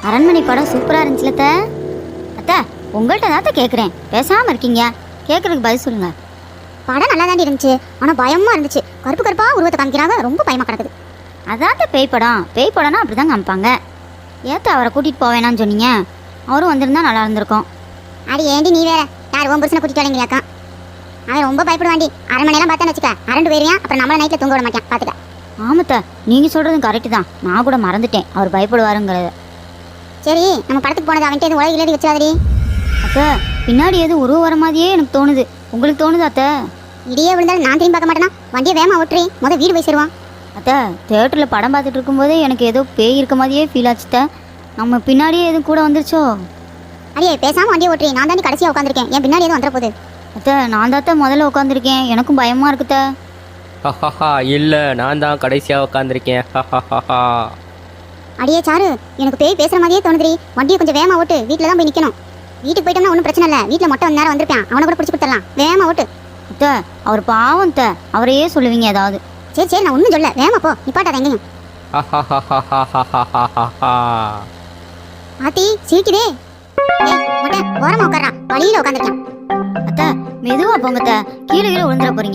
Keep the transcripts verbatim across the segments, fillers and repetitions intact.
அரண்மனை படம் சூப்பராக இருந்துச்சுல அத்தை. அத்தை உங்கள்கிட்ட தான் கேட்குறேன், பேசாமல் இருக்கீங்க, கேட்குறதுக்கு பதில் சொல்லுங்க. படம் நல்லா தாண்டி இருந்துச்சு, ஆனால் பயமாக இருந்துச்சு. கருப்பு கருப்பாக உருவத்தை காமிக்கிறாங்க, ரொம்ப பயமாக கிடக்குது. அதாத்த பேய் படம். பேய் படம்னா அப்படி தான் காமிப்பாங்க. ஏத்த அவரை கூட்டிகிட்டு போவேணான்னு சொன்னீங்க, அவரும் வந்திருந்தா நல்லா இருந்திருக்கும். அடி ஏண்டி நீ வேற, யார் உன் புருஷனை கூட்டிட்டு வரீங்களாக்கா? அவன் ரொம்ப பயப்படுவாண்டி. அரண்மனையெல்லாம் பார்த்தேன்னு வச்சுக்க, அரண்டு போயிருவான், அப்புறம் நம்மள நைட்டில் தூங்க விட மாட்டான், பார்த்துக்க. ஆமத்த, நீங்கள் சொல்கிறதும் கரெக்டு தான். நான் கூட மறந்துட்டேன் அவர் பயப்படுவாருங்கிறத. சரி, நம்ம படத்துக்கு போனது அவன்கிட்ட எதுவும் உலக இல்லாடி வச்சிடாதடி. அத்தை பின்னாடி எதுவும் உருவ வர மாதிரியே எனக்கு தோணுது. உங்களுக்கு தோணுது அத்தை? இடியே விழுந்தாலும் நான் திரும்பி பார்க்க மாட்டேனா? வண்டியை வேகமாக ஓட்டுறி, முதல் வீடு போய் சேருவான். அத்தை தேட்டரில் படம் பார்த்துட்டு இருக்கும்போதே எனக்கு ஏதோ பேய் இருக்க மாதிரியே ஃபீல் ஆச்சுத்த. நம்ம பின்னாடியே எதுவும் கூட வந்துருச்சோ? அடியே பேசாமல் வண்டியை ஓட்டுறி, நான் தாண்டி கடைசியாக உட்காந்துருக்கேன், என் பின்னாடி எதுவும் வந்துட போகுது. அத்தை நான் தாத்த முதல்ல உட்காந்துருக்கேன், எனக்கும் பயமாக இருக்குத்த. ஹஹஹா இல்லை, நான் தான் கடைசியாக உட்காந்துருக்கேன். ஹஹஹா. அடியே சாரு, எனக்கு பேய் பேசுகிற மாதிரியே தோணுதுரி. வண்டியை கொஞ்சம் வேகமாக ஓட்டு, வீட்டில் தான் போய் நிற்கணும். வீட்டுக்கு போயிட்டோம்னா ஒன்றும் பிரச்சனை இல்லை, வீட்டில் மொட்டை வந்து நேரம் வந்திருப்பேன், அவனை கூட பிடிச்சி கொடுத்துடலாம். வேகமாக ஓட்டு. அத்தை அவர் பாவம் அத்தை, அவரையே சொல்லுவீங்க ஏதாவது. சரி சரி, நான் ஒன்றும் சொல்ல, வேகமாக போ, நிப்பாட்டாத எங்கேயும். ஹஹஹஹஹஹஹஹஹா. ஆத்தி சீக்கிரே. ஏய் மொட்டை ஓரமாக உட்காரா, வழியில் உட்காந்துருக்கேன். அத்தை மெதுவாக போங்க அத்தை, கீழே கீழே விழுந்துட போறீங்க.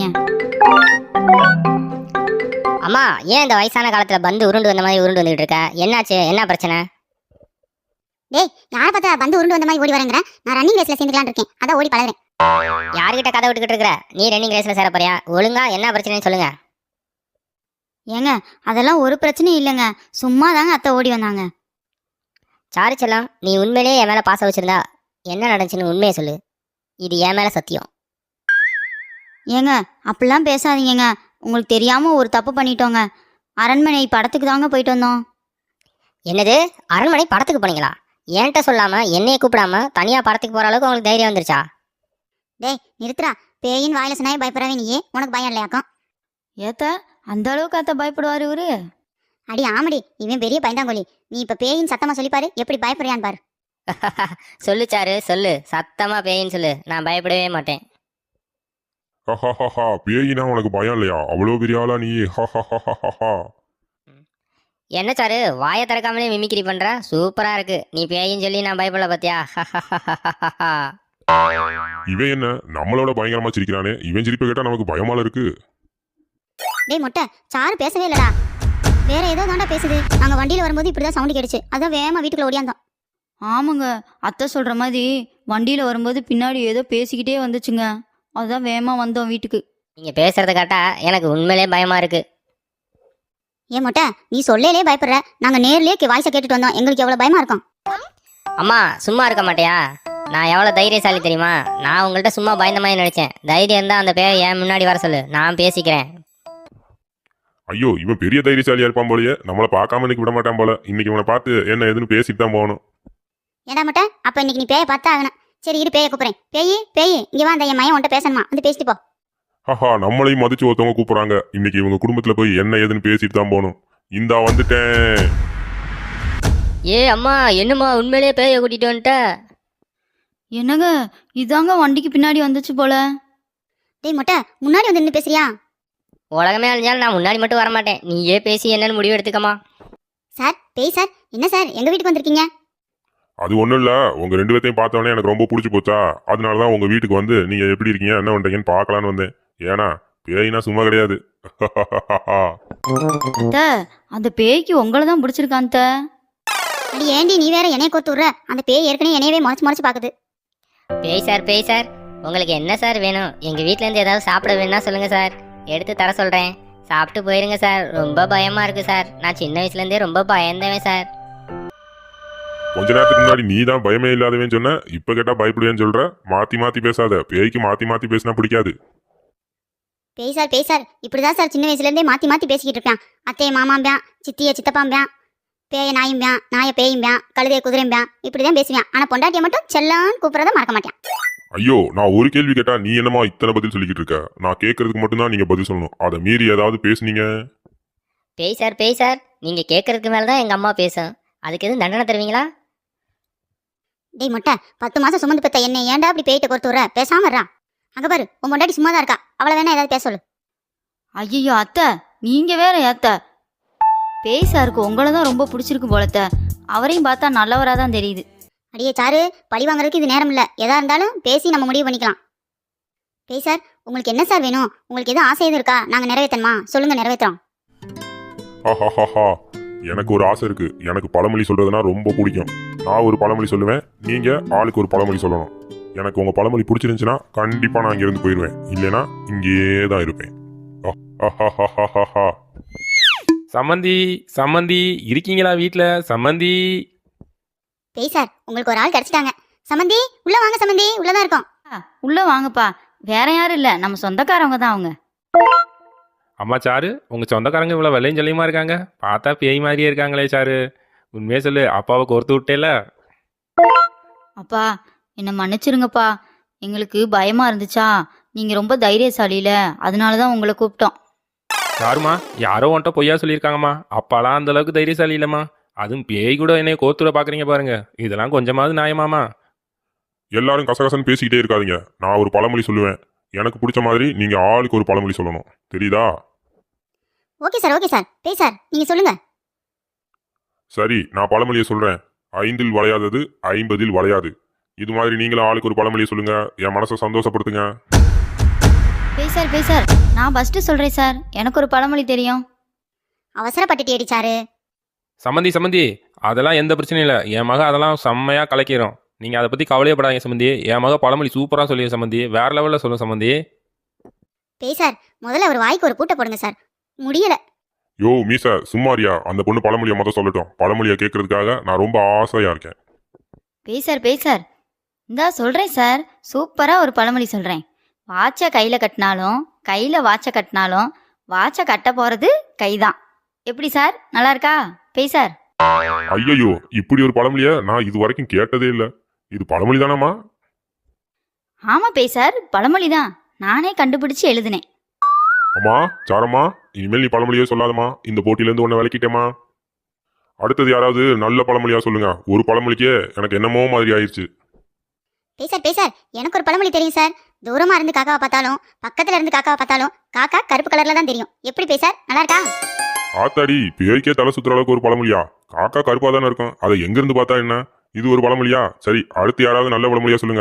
அம்மா, ஏன் இந்த வயசான காலத்துல பந்து உருண்டு வந்த மாதிரி உருண்டு வந்துட்டு இருக்க? என்னாச்சு? என்ன பிரச்சனை? டேய், யாரை பார்த்தா பந்து உருண்டு வந்த மாதிரி ஓடி வரேங்கிற? நான் ரன்னிங் ரேஸ்ல சேர்ந்துக்கலான்னு இருக்கேன், அதான் ஓடி பழகுறேன். யார்கிட்ட கதை விட்டுக்கிட்டு இருக்கிற? நீ ரன்னிங் ரேஸ்ல சேர போறியா? ஒழுங்கா என்ன பிரச்சனைன்னு சொல்லுங்க. ஏங்க அதெல்லாம் ஒரு பிரச்சனையும் இல்லைங்க, சும்மா தாங்க அத்தை ஓடி வந்தாங்க. சாரி செல்லம், நீ உண்மையிலேயே என் மேல பாசம் வச்சிருந்தா என்ன நடந்துச்சுன்னு உண்மையை சொல்லு. இது என் மேல சத்தியம். ஏங்க அப்படிலாம் பேசாதீங்கங்க, உங்களுக்கு தெரியாம ஒரு தப்பு பண்ணிட்டோங்க. அரண்மனை படத்துக்கு தாங்க போயிட்டு வந்தோம். என்னது? அரண்மனை படத்துக்கு போனீங்களா? என்கிட்ட சொல்லாம என்னைய கூப்பிடாம தனியா படத்துக்கு போற அளவுக்கு உங்களுக்கு தைரியம் வந்துருச்சா? டேய் நிறுத்துறா, பேயின் வாயில சொன்னாயே பயப்படவே நீயே, உனக்கு பயம் இல்லையாக்கும்? ஏத்த அந்த அளவுக்கு அத்தை பயப்படுவார் இவரு? அடி ஆமடி, இவன் பெரிய பயந்தாங்கோலி. நீ இப்ப பேயின் சத்தமா சொல்லிப்பாரு, எப்படி பயப்படுறான்னு பாரு. சொல்லு சாரு, சொல்லு, சத்தமா பேயின்னு சொல்லு, நான் பயப்படவே மாட்டேன். ஹஹஹஹா, பேயினா உனக்கு பயம் இல்லையா? அவ்வளோ பெரிய ஆளா நீ? ஹஹஹஹஹா. என்ன சாரு, வாயை திறக்காமலே மிமிக்ரி பண்ற? சூப்பரா இருக்கு. நீ பேயின்னு சொல்லி நான் பயப்படல பாத்தியா? இவன் என்ன நம்மளோட பயங்கரமா சிரிக்கிறானே, இவன் சிரிப்பை கேட்டா நமக்கு பயமால இருக்கு. டேய் மொட்டை, சாரு பேசவே இல்லடா, வேற ஏதோ தாண்டா பேசுது. நாங்க வண்டியில வரும்போது இப்படிதான் சவுண்ட் கேடுச்சு, அதான் வேகமா வீட்டுக்குள்ள ஓடியாந்தோம். ஆமாங்க, அத்தை சொல்ற மாதிரி வண்டியில வரும்போது பின்னாடி ஏதோ பேசிக்கிட்டே வந்துச்சுங்க, அதுதான் வேகமா வந்தோம் வீட்டுக்கு. நீங்க பேசுறத கேட்டா எனக்கு உண்மையிலே பயமா இருக்கு. ஏன் மொட்டை, நீ சொல்லலே பயப்படுற, நாங்க நேர்லயே வாய்ஸை கேட்டுட்டு வந்தோம், எங்களுக்கு எவ்வளவு பயமா இருக்கும். அம்மா சும்மா இருக்க மாட்டியா? நான் எவ்வளோ தைரியசாலி தெரியுமா? நான் உங்கள்கிட்ட சும்மா பயந்த மாதிரி நினைச்சேன். தைரியம் இருந்தால் அந்த பேரை என் முன்னாடி வர சொல்லு, நான் பேசிக்கிறேன். ஐயோ, இவன் பெரிய தைரியசாலியா இருப்பான் போலயே, நம்மளை பார்க்காம இன்னைக்கு விட மாட்டான் போல. இன்னைக்கு இவனை பார்த்து என்ன ஏதுன்னு பேசிட்டு தான் போகணும். ஏடா மொட்டை, அப்ப இன்னைக்கு நீ பேயை பார்த்தா ஆகணும். சரி இரு, பேயை கூப்பிடுறேன். பேயி பேயி இங்க வா, அந்த என் மையன் உன்ட்ட பேசணுமா, வந்து பேசிட்டு போ. ஹஹா, நம்மளையும் மதிச்சு ஒருத்தவங்க கூப்பிடுறாங்க. இன்னைக்கு இவங்க குடும்பத்துல போய் என்ன ஏதுன்னு பேசிட்டு தான் போகணும். இந்தா வந்துட்டேன். ஏ அம்மா, என்னம்மா உண்மையிலேயே பேயை கூட்டிட்டு வந்துட்ட? என்னங்க இதாங்க வண்டிக்கு பின்னாடி வந்துச்சு போல. டேய் மொட்டை, முன்னாடி வந்து நின்று பேசுறியா? உலகமே அழிஞ்சாலும் நான் முன்னாடி மட்டும் வர மாட்டேன். நீயே பேசி என்னன்னு முடிவு எடுத்துக்கமா. சார் பேய் சார், என்ன சார் எங்க வீட்டுக்கு வந்திருக்கீங்க? அது ஒண்ணும் இல்ல, உங்க ரெண்டு பேர்த்தையும் பார்த்தவொடனே எனக்கு ரொம்ப பிடிச்சி போச்சா, அதனாலதான் உங்க வீட்டுக்கு வந்து நீங்க எப்படி இருக்கீங்க என்ன பண்றீங்கன்னு பார்க்கலான்னு வந்தேன். ஏன்னா பேயினா சும்மா கிடையாது. அத்தை அந்த பேய்க்கு உங்களை தான் பிடிச்சிருக்கான் அத்தை. அடி ஏண்டி நீ வேற என்னைய கோத்து விடுற? அந்த பேய் ஏற்கனவே என்னையவே முறைச்சு முறைச்சு பாக்குது. பேய் சார், பேய் சார், உங்களுக்கு என்ன சார் வேணும்? எங்க வீட்ல இருந்து ஏதாவது சாப்பிட வேணும்னா சொல்லுங்க சார், எடுத்து தர சொல்றேன். சாப்பிட்டு போயிருங்க சார். ரொம்ப பயமா இருக்கு சார், நான் சின்ன வயசுல இருந்தே ரொம்ப பயந்தவன் சார். கொஞ்ச நேரத்துக்கு முன்னாடி நீ தான் பயமே இல்லாதவன்னு சொன்ன, இப்ப கேட்டா பயப்படுவேன்னு சொல்ற. மாத்தி மாத்தி பேசாத, பேய்க்கு மாத்தி மாத்தி பேசினா பிடிக்காது. பேய் சார் பேய் சார், இப்படிதான் சார் சின்ன வயசுல இருந்தே மாத்தி மாத்தி பேசிக்கிட்டு இருப்பான். அத்தைய மாமாம்பியான், சித்திய சித்தப்பாம்பியான், பேய நாயும்பியான், நாய பேயும்பியான், கழுதைய குதிரைம்பியான், இப்படிதான் பேசுவான். ஆனா பொண்டாட்டிய மட்டும் செல்லான்னு கூப்பிடறத மறக்க மாட்டான். ஐயோ, நான் ஒரு கேள்வி கேட்டா நீ என்னமா இத்தனை பதில் சொல்லிக்கிட்டு இருக்க? நான் கேட்கறதுக்கு மட்டும்தான் நீங்க பதில் சொல்லணும். அதை மீறி ஏதாவது பேசுனீங்க? பேய் சார், பேய் சார், நீங்க கேட்கறதுக்கு மேலதான் எங்க அம்மா பேசும். அதுக்கு எதுவும் தண்டனை தருவீங்களா? டேய் மொட்டை, பத்து மாசம் சுமந்து பெத்த என்ன ஏன்டா அப்படி பேயிட்ட பொறுத்து விடுற? பேசாம இருடா. அங்க பாரு, உன் பொண்டாட்டி சும்மா தான் இருக்கா, அவளை வேணா ஏதாவது பேச சொல்லு. ஐயோ அத்தை நீங்க வேற ஏத்த, பேய் சாருக்கு உங்களை தான் ரொம்ப பிடிச்சிருக்கு போலத்த, அவரையும் பார்த்தா நல்லவராக தான் தெரியுது. அடியே சாரு, பழி வாங்குறதுக்கு இது நேரம் இல்லை. எதா இருந்தாலும் பேசி நம்ம முடிவு பண்ணிக்கலாம். பேய் சார், உங்களுக்கு என்ன சார் வேணும்? உங்களுக்கு எதுவும் ஆசை எதுவும் இருக்கா? நாங்கள் நிறைவேற்றணுமா? சொல்லுங்க, நிறைவேற்றோம். ஹஹஹஹா. எனக்கு ஒரு ஆசை இருக்கு. எனக்கு பழமொழி சொல்றதுனா ரொம்ப பிடிக்கும். நான் ஒரு பழமொழி சொல்லுவேன், நீங்க ஆளுக்கு ஒரு பழமொழி சொல்லணும். எனக்கு உங்க பழமொழி பிடிச்சிருந்துச்சுன்னா கண்டிப்பா நான் இங்கிருந்து போயிடுவேன். இல்லைன்னா இங்கேயே தான் இருப்பேன். ஹஹஹஹஹா. சம்மந்தி சம்மந்தி இருக்கீங்களா வீட்ல? சம்மந்தி. பேய் சார், உங்களுக்கு ஒரு ஆள் கிடைச்சிட்டாங்க. சம்மந்தி, உள்ள வாங்க. சம்மந்தி உள்ளதான் இருக்கோம். உள்ளே வாங்கப்பா. வேற யாரும் இல்லை, நம்ம சொந்தக்காரவங்க தான் அவங்க. அம்மா சாரு, உங்க சொந்தக்காரங்க இவ்வளவு வெள்ளையும் சொல்லியுமா இருக்காங்க? பார்த்தா பேய் மாதிரியே இருக்காங்களே சாரு. உண்மையே சொல்லு, அப்பாவை கோர்த்து விட்டேல. அப்பா என்னை மன்னிச்சிருங்கப்பா. எங்களுக்கு பயமா இருந்துச்சா, நீங்க ரொம்ப தைரியசாலியில, அதனால தான் உங்களை கூப்பிட்டோம். யாருமா? யாரோ உன்ட்ட பொய்யா சொல்லியிருக்காங்கம்மா. அப்பாலாம் அந்த அளவுக்கு தைரியசாலி இல்லம்மா. அதுவும் பேய் கூட என்னைய கோர்த்துட பாக்குறீங்க பாருங்க. இதெல்லாம் கொஞ்சமாவது நியாயமாமா? எல்லாரும் கசகசன்னு பேசிக்கிட்டே இருக்காதீங்க. நான் ஒரு பழமொழி சொல்லுவேன். எனக்கு பிடிச்ச மாதிரி நீங்க ஆளுக்கு ஒரு பழமொழி சொல்லணும். தெரியுதா? Okay sir, okay sir. பேய் சார், நீங்க சொல்லுங்க. சரி, நான் பழமொழியை சொல்றேன். ஐந்தில் வளையாதது ஐம்பதில் வளையாது. இது மாதிரி நீங்களும் ஆளுக்கு ஒரு பழமொழியை சொல்லுங்க. என் மனசை சந்தோஷப்படுத்துங்க. பேசார் பேசார், நான் ஃபர்ஸ்ட் சொல்றேன் சார். எனக்கு ஒரு பழமொழி தெரியும். அவசரப்பட்டுட்டு அடிச்சாரு. சம்மந்தி சம்மந்தி, அதெல்லாம் எந்த பிரச்சனையும் இல்லை. என் மக அதெல்லாம் செம்மையா கலக்கிறோம். நீங்க அதை பத்தி கவலையப்படாதீங்க சம்மந்தி. என் மக பழமொழி சூப்பரா சொல்லிய சம்மந்தி. வேற லெவல்ல சொல்லும் சம்மந்தி. பேய் சார், முதல்ல ஒரு வாய்க்கு ஒரு பூட்டை போடுங்க சார். முடியல. யோ மீசா, சும்மாரியா? அந்த பொண்ணு பழமொழியை மொத்தம் சொல்லட்டும். பழமொழியை கேட்கறதுக்காக நான் ரொம்ப ஆசையா இருக்கேன். பேசார் பேசார், இந்தா சொல்றேன் சார். சூப்பரா ஒரு பழமொழி சொல்றேன். வாட்சை கையில கட்டினாலும் கையில வாட்சை கட்டினாலும் வாட்சை கட்ட போறது கைதான். எப்படி சார், நல்லா இருக்கா பேசார்? ஐயோ, இப்படி ஒரு பழமொழியை நான் இது வரைக்கும் கேட்டதே இல்லை. இது பழமொழி தானம்மா? ஆமா பேசார், பழமொழி தான். நானே கண்டுபிடிச்சு எழுதினேன். அம்மா சாரம்மா, இனிமேல் நீ பழமொழியே சொல்லாதம்மா. இந்த போட்டியிலேருந்து உன்னை விளக்கிட்டேம்மா. அடுத்தது யாராவது நல்ல பழமொழியா சொல்லுங்க. ஒரு பழமொழிக்கே எனக்கு என்னமோ மாதிரி ஆயிடுச்சு. பேய் சார், பேய் சார், எனக்கு ஒரு பழமொழி தெரியும் சார். தூரமா இருந்து காக்காவை பார்த்தாலும் பக்கத்துல இருந்து காக்காவை பார்த்தாலும் காக்கா கருப்பு கலர்ல தான் தெரியும். எப்படி பேய் சார், நல்லா இருக்கா? ஆத்தாடி, பேய்க்கே தலை சுத்துற அளவுக்கு ஒரு பழமொழியா? காக்கா கருப்பா தானே இருக்கும், அதை எங்கிருந்து பார்த்தா என்ன? இது ஒரு பழமொழியா? சரி, அடுத்து யாராவது நல்ல பழமொழியா சொல்லுங்க.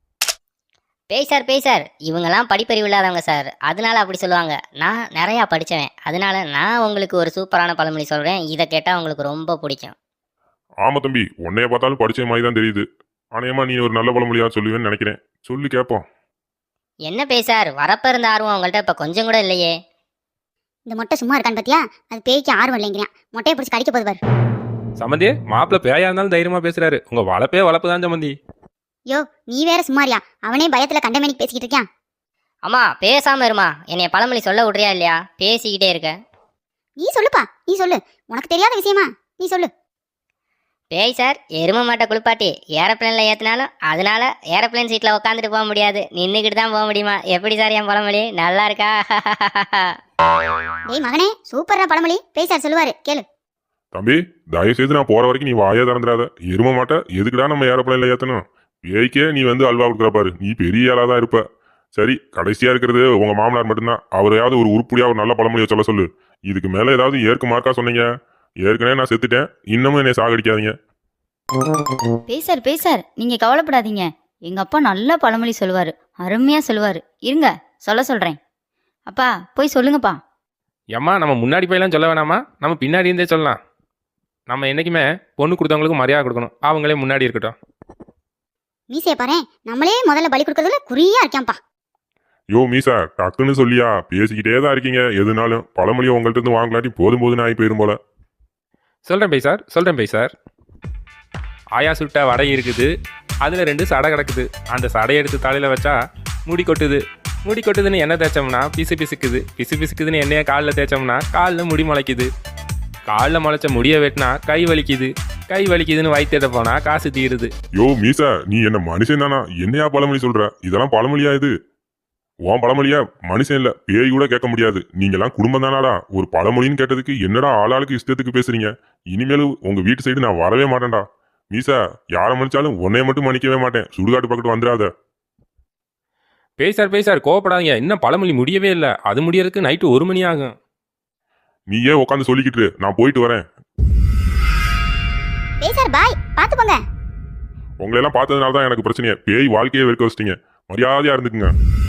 பேய் சார் பேய் சார், இவங்கெல்லாம் படிப்பறிவு இல்லாதவங்க சார், அதனால அப்படி சொல்லுவாங்க. நான் நிறையா படித்தவன், அதனால நான் உங்களுக்கு ஒரு சூப்பரான பழமொழி சொல்கிறேன். இதை கேட்டால் உங்களுக்கு ரொம்ப பிடிக்கும். ஆமா தம்பி, உன்னைய பார்த்தாலும் படிச்ச மாதிரி தான் தெரியுது. ஆனையமா நீ ஒரு நல்ல பழமொழியா சொல்லுவேன்னு நினைக்கிறேன். சொல்லி கேட்போம். என்ன பேய் சார், வரப்ப இருந்த ஆர்வம் உங்கள்கிட்ட இப்போ கொஞ்சம் கூட இல்லையே. இந்த மொட்டை சும்மா இருக்கான்னு பாத்தியா? அது பேய்க்கு ஆர்வம் இல்லைங்கிறான். மொட்டையை பிடிச்சி கடிக்க போது பாரு. சம்மந்தி, மாப்பிள்ள பேயா இருந்தாலும் தைரியமா பேசுறாரு. உங்க வளப்பே வளப்பு தான் சம்மந்தி. யோ, நீ வேற சும்மாரியா? அவனே பயத்துல கண்டமேனிக்கு பேசிக்கிட்டு இருக்கான். அம்மா பேசாம இருமா, என்னைய பழமொழி சொல்ல விட்றியா இல்லையா? பேசிக்கிட்டே இருக்க. நீ சொல்லுப்பா, நீ சொல்லு. உனக்கு தெரியாத விஷயமா? நீ சொல்லு. பேய் சார், எரும மாட்டை குளிப்பாட்டி ஏரோப்ளேனில் ஏற்றினாலும் அதனால ஏரோப்ளேன் சீட்டில் உட்காந்துட்டு போக முடியாது, நின்றுக்கிட்டு தான் போக முடியுமா? எப்படி சார் என் பழமொழி, நல்லா இருக்கா? டேய் மகனே, சூப்பரா பழமொழி. பேய் சார் சொல்லுவாரு, கேளு. தம்பி, தயவு செய்து நான் போற வரைக்கும் நீ வாயே திறந்துடாத. எரும மாட்ட எதுக்குடா நம்ம ஏரோப்ளேன்ல ஏத்தணும்? பேய்க்கே நீ வந்து அல்வா கொடுக்குற பாரு. நீ பெரிய ஆளா தான் இருப்ப. சரி, கடைசியா இருக்கிறது உங்க மாமனார் மட்டும்தான். அவரையாவது ஒரு உருப்படியா ஒரு நல்ல பழமொழியை சொல்ல சொல்லு. இதுக்கு மேல ஏதாவது ஏற்கு மார்க்கா சொன்னீங்க, ஏற்கனவே நான் செத்துட்டேன். இன்னமும் என்னை சாகடிக்காதீங்க. பேசார் பேசார், நீங்க கவலைப்படாதீங்க. எங்க அப்பா நல்ல பழமொழி சொல்லுவாரு, அருமையா சொல்லுவாரு. இருங்க, சொல்ல சொல்றேன். அப்பா போய் சொல்லுங்கப்பா. ஏம்மா, நம்ம முன்னாடி போயெல்லாம் சொல்ல வேணாமா? நம்ம பின்னாடி இருந்தே சொல்லலாம். நம்ம என்னைக்குமே பொண்ணு கொடுத்தவங்களுக்கு மரியாதை கொடுக்கணும். அவங்களே முன்னாடி இருக்கட்டும். மீசைய பாரு, நம்மளே முதல்ல பலி கொடுக்கறதுல குறியா இருக்கான்ப்பா. யோ மீசா, டக்குன்னு சொல்லியா? பேசிக்கிட்டே தான் இருக்கீங்க. எதுனாலும் பழமொழியை உங்கள்கிட்ட இருந்து வாங்கலாட்டி போதும் போதுன்னு ஆகி போயிரும் போல. சொல்கிறேன் பேய் சார், சொல்கிறேன் பேய் சார். ஆயா சுட்ட வடை இருக்குது, அதில் ரெண்டு சடை கிடக்குது. அந்த சடையை எடுத்து தலையில் வச்சா முடி கொட்டுது. முடி கொட்டுதுன்னு எண்ணெய் தேய்ச்சோம்னா பிசு பிசுக்குது. பிசு பிசுக்குதுன்னு எண்ணெயை காலில் தேய்ச்சோம்னா காலில் முடி முளைக்குது. காலில் முளைச்ச முடியை வெட்டினா கை வலிக்குது. கை வலிக்குதுன்னு வயிற்றுட போனால் காசு தீருது. யோ மீசா, நீ என்ன மனுஷன் தானா? என்னையா பழமொழி சொல்ற? இதெல்லாம் பழமொழியா? இது உன் பழமொழியா? மனுஷன் இல்ல, பேய் கூட கேட்க முடியாது. நீங்கெல்லாம் குடும்பம் தானாடா? ஒரு பழமொழின்னு கேட்டதுக்கு என்னடா ஆளாளுக்கு இஷ்டத்துக்கு பேசுறீங்க? இனிமேலும் உங்க வீட்டு சைடு நான் வரவே மாட்டேன்டா. மீசா, யாரை மன்னிச்சாலும் உன்னைய மட்டும் மன்னிக்கவே மாட்டேன். சுடுகாட்டு பக்கத்து வந்துடாத. பேய் சார் பேய் சார், கோவப்படாதீங்க. இன்னும் பழமொழி முடியவே இல்லை. அது முடியறதுக்கு நைட்டு ஒரு மணி ஆகும். நீ ஏன் உட்காந்து சொல்லிக்கிட்டு? நான் போயிட்டு வரேன். பேய் சார் பாய், பார்த்து போங்க. உங்களை எல்லாம் பார்த்ததுனால தான் எனக்கு பிரச்சனையே. பேய் வாழ்க்கையை வெறுக்க வச்சிட்டீங்க. மரியாதையா இருந்துக்குங்க.